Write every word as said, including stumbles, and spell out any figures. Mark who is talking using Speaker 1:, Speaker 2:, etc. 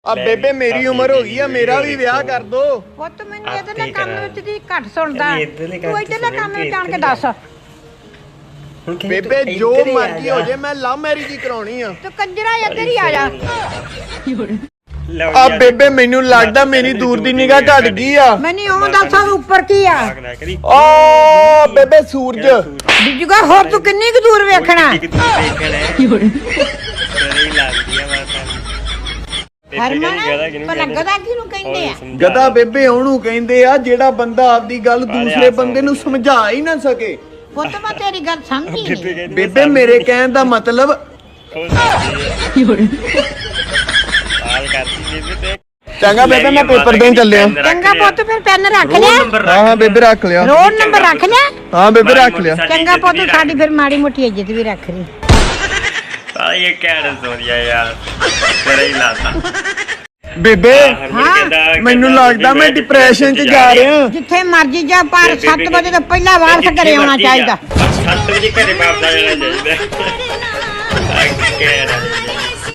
Speaker 1: ਆ ਬੇਬੇ ਮੇਰੀ ਉਮਰ ਹੋ ਗਈ ਆ, ਮੇਰਾ ਵੀ ਵਿਆਹ ਕਰ ਦੋ।
Speaker 2: ਪੁੱਤ ਮੈਨੂੰ ਇਹਦੇ ਕੰਮ ਵਿੱਚ ਦੀ ਘੱਟ ਸੁਣਦਾ, ਤੂੰ ਇਧਰਲੇ ਕੰਮ ਵਿੱਚ ਆਣ ਕੇ ਦੱਸ।
Speaker 1: ਬੇਬੇ ਜੋ ਮਰਜ਼ੀ ਹੋ ਜੇ, ਮੈਂ ਲਵ ਮੈਰਿਜ ਹੀ ਕਰਾਉਣੀ ਆ।
Speaker 2: ਤੂੰ ਕੰਜਰਾ ਇੱਧਰ ਹੀ ਆ ਜਾ।
Speaker 1: ਆ ਬੇਬੇ ਮੈਨੂੰ ਲੱਗਦਾ ਮੇਰੀ ਦੂਰ ਦੀ ਨਿਗਾਹ ਘਟ ਗਈ ਆ।
Speaker 2: ਮੈਨੂੰ ਉਹ ਦੱਸ ਉੱਪਰ ਕੀ ਆ?
Speaker 1: ਆ ਬੇਬੇ ਸੂਰਜ
Speaker 2: ਬਿਜੂਗਾ, ਹੋਰ ਤੂੰ ਕਿੰਨੀ ਕੁ ਦੂਰ ਵੇਖਣਾ? ਹਰਮਨ ਪਰ ਗਦਾ ਕਿਹਨੂੰ ਕਹਿੰਦੇ ਆ?
Speaker 1: ਗਦਾ ਬੇਬੇ ਉਹਨੂੰ ਕਹਿੰਦੇ ਆ ਜਿਹੜਾ ਬੰਦਾ ਆਪਦੀ ਗੱਲ ਦੂਸਰੇ ਬੰਦੇ ਨੂੰ ਸਮਝਾ ਹੀ ਨਾ ਸਕੇ।
Speaker 2: ਪੁੱਤ ਮੈਂ ਤੇਰੀ ਗੱਲ ਸਮਝੀ ਨਹੀਂ।
Speaker 1: ਬੇਬੇ ਮੇਰੇ ਕਹਿਣ ਦਾ ਮਤਲਬ ਚੰਗਾ ਬੇਬੇ ਮੈਂ ਪੇਪਰ ਦੇਣ ਚੱਲਿਆ।
Speaker 2: ਚੰਗਾ ਪੁੱਤ ਫਿਰ ਪੈਨ ਰੱਖ ਲਿਆ?
Speaker 1: ਹਾਂ ਹਾਂ ਬੇਬੇ ਰੱਖ ਲਿਆ।
Speaker 2: ਰੋਲ ਨੰਬਰ ਰੱਖ ਲਿਆ?
Speaker 1: ਹਾਂ ਬੇਬੇ ਰੱਖ ਲਿਆ।
Speaker 2: ਚੰਗਾ ਪੁੱਤ ਸਾਡੀ ਫਿਰ ਮਾੜੀ ਮੋਟੀ ਇੱਜ਼ਤ ਵੀ ਰੱਖ ਲਈ।
Speaker 3: ਆ ਇਹ ਕਹਿਣ ਸੋਰੀਆ ਯਾਰ ਤੇਰੇ ਹੀ ਲਾਤਾ
Speaker 1: ਬੇਬੇ
Speaker 2: ਹਾਂ
Speaker 1: ਮੈਨੂੰ ਲੱਗਦਾ ਮੈਂ ਡਿਪਰੈਸ਼ਨ 'ਚ ਜਾ ਰਿਹਾ।
Speaker 2: ਜਿੱਥੇ ਮਰਜੀ ਜਾ, ਪਰ ਸੱਤ ਵਜੇ ਤੋਂ ਪਹਿਲਾਂ ਵਾਪਸ ਘਰੇ ਆਉਣਾ ਚਾਹੀਦਾ।
Speaker 3: ਸੱਤ ਵਜੇ ਘਰੇ ਵਾਪਸ ਆ ਜਾਣਾ ਚਾਹੀਦਾ। ਆ ਕਹਿਣਾ